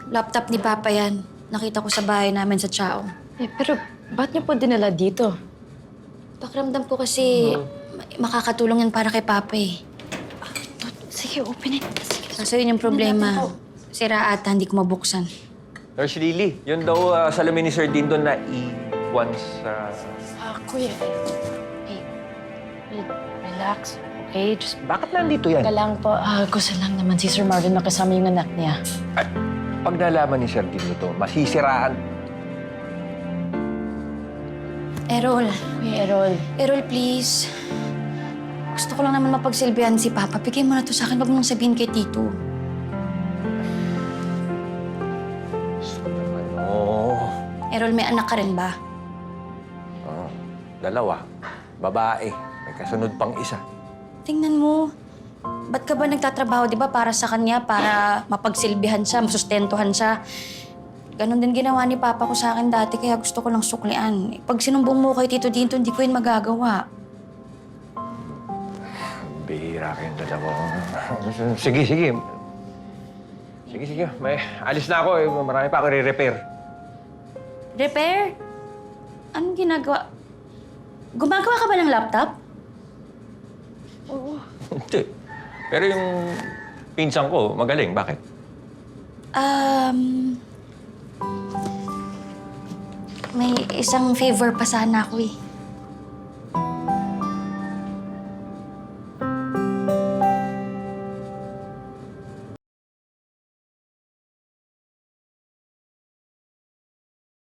Laptop ni Papa yan. Nakita ko sa bahay namin sa Chao. Pero ba't niyo po dinala dito? Pakiramdam ko kasi makakatulong yan para kay Papa eh. Sige, open it. Sige. Kaso yun yung problema. Sira ata, hindi ko mabuksan. Nurse Lily, yun daw salamin ni Sir Dean doon na iwan sa... Kuya. Hey, relax. Okay, just Bakit nandito yan? ka lang po. Gusto lang naman si Sir Marvin makasama yung anak niya. Ay, pag nalaman ni Sir Dean ito, masisiraan. Errol, Kuya Errol. Errol please. Gusto ko lang naman mapagsilbihan si Papa. Bigay mo na to sa akin. Huwag mo nang sabihin kay Tito. Oo. Errol, may anak ka rin ba? Oh, dalawa. Babae. May kasunod pang isa. Tingnan mo. Ba't ka ba nagtatrabaho, di ba, para sa kanya, para mapagsilbihan siya, masustentuhan siya? Ganon din ginawa ni Papa ko sa akin dati, kaya gusto ko lang suklian. Pag sinumbong mo kay Tito Dinto, hindi ko yun magagawa. Bihira kayong dalawa. Sige, sige. Sige, sige. May alis na ako. Marami pa ako re-repair. Repair? Anong ginagawa? Gumagawa ka ba ng laptop? Hindi. Pero yung pinsan ko, magaling. Bakit? May isang favor pa sana ako eh.